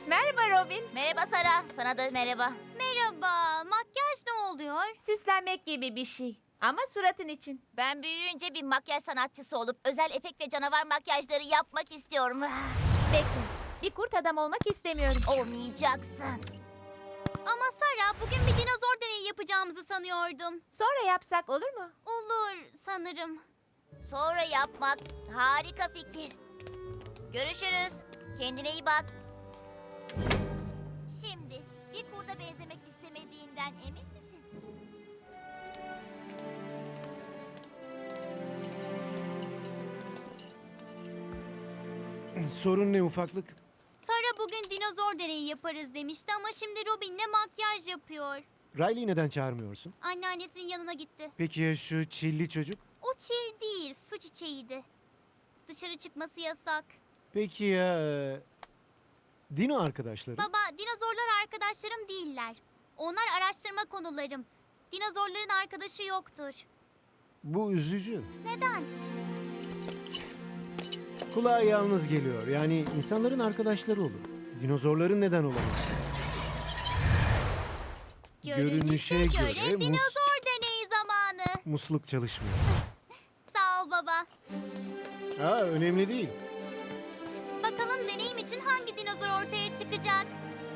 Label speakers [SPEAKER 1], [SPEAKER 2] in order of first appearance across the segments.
[SPEAKER 1] Merhaba Robin.
[SPEAKER 2] Merhaba Sara, sana da merhaba.
[SPEAKER 3] Merhaba, makyaj ne oluyor?
[SPEAKER 1] Süslenmek gibi bir şey. Ama suratın için.
[SPEAKER 2] Ben büyüyünce bir makyaj sanatçısı olup özel efekt ve canavar makyajları yapmak istiyorum.
[SPEAKER 1] Bekle. Bir kurt adam olmak istemiyorum.
[SPEAKER 2] Olmayacaksın.
[SPEAKER 3] Ama Sara, bugün bir dinozor deneyi yapacağımızı sanıyordum.
[SPEAKER 1] Sonra yapsak olur mu?
[SPEAKER 3] Olur sanırım.
[SPEAKER 2] Sonra yapmak harika fikir. Görüşürüz. Kendine iyi bak. Şimdi bir kurda benzemek istemediğinden emin misin?
[SPEAKER 4] Sorun ne ufaklık?
[SPEAKER 3] Sara bugün dinozor deneyi yaparız demişti ama şimdi Robin'le makyaj yapıyor.
[SPEAKER 4] Riley'i neden çağırmıyorsun?
[SPEAKER 3] Anneannesinin yanına gitti.
[SPEAKER 4] Peki ya şu çilli çocuk?
[SPEAKER 3] O çil değil, su çiçeğiydi. Dışarı çıkması yasak.
[SPEAKER 4] Peki ya Dino arkadaşları?
[SPEAKER 3] Baba, dinozorlar arkadaşlarım değiller. Onlar araştırma konularım. Dinozorların arkadaşı yoktur.
[SPEAKER 4] Bu üzücü.
[SPEAKER 3] Neden?
[SPEAKER 4] Kulağa yalnız geliyor. Yani insanların arkadaşları olur. Dinozorların neden olamaz? Görünüşe göre
[SPEAKER 3] dinozor deneyi zamanı.
[SPEAKER 4] Musluk çalışmıyor.
[SPEAKER 3] Sağ ol baba.
[SPEAKER 4] Önemli değil.
[SPEAKER 3] Bakalım deneyim için hangi dinozor ortaya çıkacak?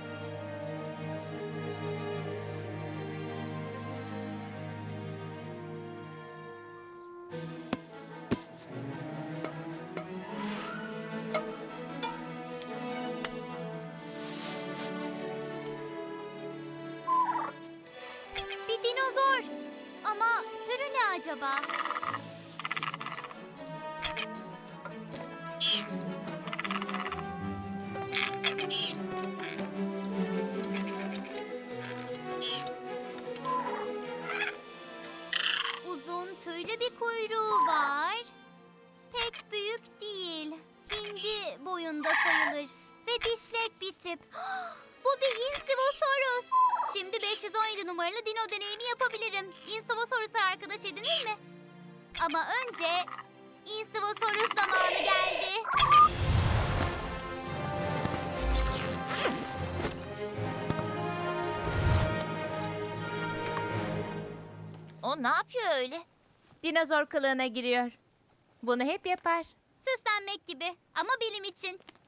[SPEAKER 3] Bir dinozor. Ama türü ne acaba? Uzun tüylü bir kuyruğu var. Pek büyük değil. Hindi boyunda sayılır. Ve dişlek bir tip. Bu bir Insivosaurus. Şimdi 517 numaralı dino deneyimi yapabilirim. Insivosaurus'a arkadaş edinir mi? Ama önce Insivosaurus zamanı geldi.
[SPEAKER 2] O ne yapıyor öyle?
[SPEAKER 1] Dinozor kılığına giriyor. Bunu hep yapar.
[SPEAKER 3] Süslenmek gibi ama bilim için.